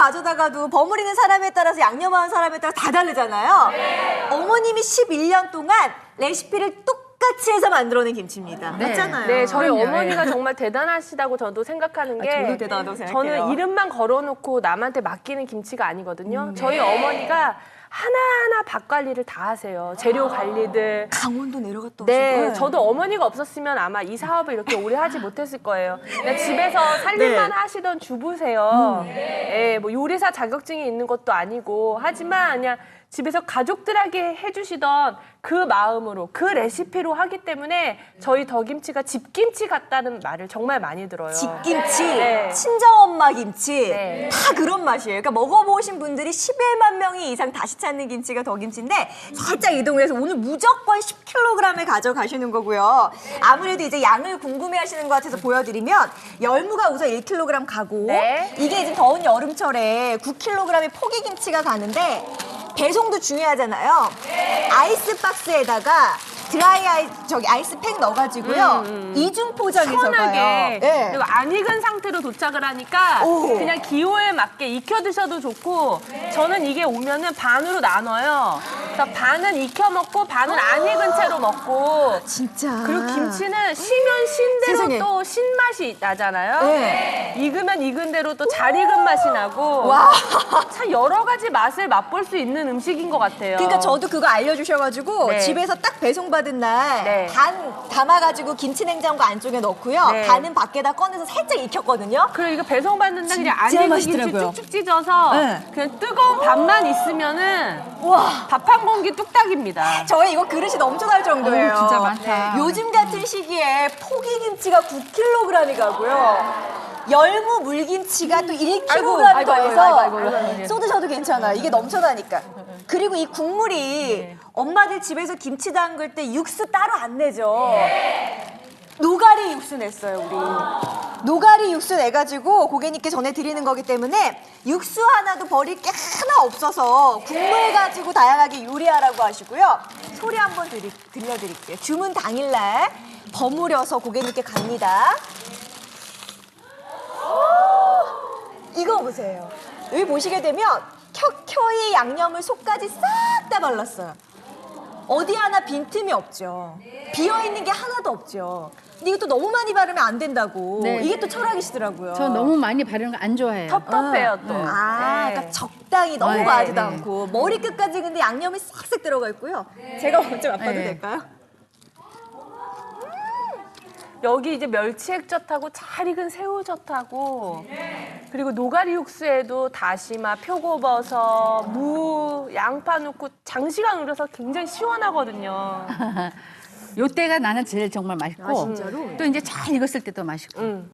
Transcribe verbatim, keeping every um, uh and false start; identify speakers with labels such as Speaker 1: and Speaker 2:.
Speaker 1: 가져다가도 버무리는 사람에 따라서 양념하는 사람에 따라 다 다르잖아요.
Speaker 2: 네.
Speaker 1: 어머님이 십일 년 동안 레시피를 똑같이 해서 만들어낸 김치입니다.
Speaker 3: 네.
Speaker 1: 맞잖아요.
Speaker 2: 네, 저희
Speaker 3: 그럼요,
Speaker 2: 어머니가
Speaker 3: 예.
Speaker 2: 정말 대단하시다고 저도 생각하는 게
Speaker 1: 저도 대단하다고 생각해요.
Speaker 2: 저는 이름만 걸어놓고 남한테 맡기는 김치가 아니거든요.
Speaker 1: 음.
Speaker 2: 저희 어머니가 하나하나 밥 관리를 다 하세요. 재료 관리들.
Speaker 1: 강원도 내려갔다
Speaker 2: 네,
Speaker 1: 오시고.
Speaker 2: 저도 어머니가 없었으면 아마 이 사업을 이렇게 오래 하지 못했을 거예요. 그냥 집에서 살림만
Speaker 1: 네.
Speaker 2: 하시던 주부세요. 예, 뭐 요리사 자격증이 있는 것도 아니고 하지만 그냥 집에서 가족들에게 해주시던 그 마음으로 그 레시피로 하기 때문에 저희 더김치가 집김치 같다는 말을 정말 많이 들어요.
Speaker 1: 집김치,
Speaker 2: 네.
Speaker 1: 친정엄마 김치
Speaker 2: 네.
Speaker 1: 다 그런 맛이에요. 그러니까 먹어보신 분들이 십일만 명이 이상 다시 찾는 김치가 더김치인데 살짝 이동해서 오늘 무조건 십 킬로그램을 가져가시는 거고요. 아무래도 이제 양을 궁금해하시는 것 같아서 보여드리면 열무가 우선 일 킬로그램 가고
Speaker 2: 네.
Speaker 1: 이게 이제 더운 여름철에 구 킬로그램의 포기김치가 가는데 배송도 중요하잖아요. 아이스박스에다가 드라이 아이, 저기 아이스팩 넣어가지고요. 이중 포장해서
Speaker 2: 편하게
Speaker 1: 가요. 네.
Speaker 2: 그리고 안 익은 상태로 도착을 하니까
Speaker 1: 오.
Speaker 2: 그냥 기호에 맞게 익혀 드셔도 좋고 저는 이게 오면은 반으로 나눠요. 그래서 반은 익혀 먹고 반은 안 익은 채로 먹고
Speaker 1: 진짜.
Speaker 2: 그리고 김치는 쉬면 쉰 대로
Speaker 1: 세상에.
Speaker 2: 또 신맛이 나잖아요.
Speaker 1: 네.
Speaker 2: 익으면 익은 대로 또 잘 익은 맛이 나고
Speaker 1: 와.
Speaker 2: 참 여러 가지 맛을 맛볼 수 있는 음식인 것 같아요.
Speaker 1: 그러니까 저도 그거 알려주셔가지고
Speaker 2: 네.
Speaker 1: 집에서 딱 배송받은 날
Speaker 2: 네.
Speaker 1: 반 담아가지고 김치 냉장고 안쪽에 넣고요.
Speaker 2: 네.
Speaker 1: 반은 밖에다 꺼내서 살짝 익혔거든요.
Speaker 2: 그리고 이거 배송받는 날 그냥 안
Speaker 1: 진짜
Speaker 2: 익은 김치
Speaker 1: 맛있더라고요.
Speaker 2: 쭉쭉 찢어서
Speaker 1: 네.
Speaker 2: 그냥 뜨거운 밥만 있으면은
Speaker 1: 와.
Speaker 2: 밥 한 공기 뚝딱입니다.
Speaker 1: 저희 이거 그릇이 넘쳐날 정도예요.
Speaker 3: 어우, 진짜 많다.
Speaker 1: 네. 요즘 같은 시기에 포기김치가 구 킬로그램이 가고요. 열무 물김치가 또 일 킬로그램
Speaker 2: 아이고, 아이고,
Speaker 1: 더해서
Speaker 2: 아이고, 아이고, 아이고, 아이고.
Speaker 1: 쏟으셔도 괜찮아요. 이게 넘쳐나니까. 그리고 이 국물이 엄마들 집에서 김치 담글 때 육수 따로 안 내죠. 노가리 육수 냈어요, 우리. 노가리 육수 내가지고 고객님께 전해드리는 거기 때문에 육수 하나도 버릴 게 하나 없어서 국물 가지고 다양하게 요리하라고 하시고요. 소리 한번 드리, 들려드릴게요. 주문 당일날 버무려서 고객님께 갑니다. 이거 보세요. 여기 보시게 되면 켜켜이 양념을 속까지 싹 다 발랐어요. 어디 하나 빈틈이 없죠. 비어있는 게 하나도 없죠. 근데 이것도 너무 많이 바르면 안 된다고.
Speaker 3: 네.
Speaker 1: 이게 또 철학이시더라고요.
Speaker 3: 저 너무 많이 바르는 거 안 좋아해요.
Speaker 2: 텁텁해요 또.
Speaker 1: 아,
Speaker 2: 네.
Speaker 1: 그러니까 적당히 너무
Speaker 3: 네,
Speaker 1: 과하지도
Speaker 3: 네.
Speaker 1: 않고 머리끝까지 근데 양념이 싹싹 들어가 있고요. 제가 먼저 맛봐도
Speaker 3: 네.
Speaker 1: 될까요?
Speaker 2: 여기 이제 멸치액젓하고 잘 익은 새우젓하고 그리고 노가리 육수에도 다시마, 표고버섯, 무, 양파 넣고 장시간 우려서 굉장히 시원하거든요.
Speaker 3: 요때가 나는 제일 정말 맛있고
Speaker 1: 아, 진짜로?
Speaker 3: 또 이제 잘 익었을 때도 맛있고
Speaker 2: 음.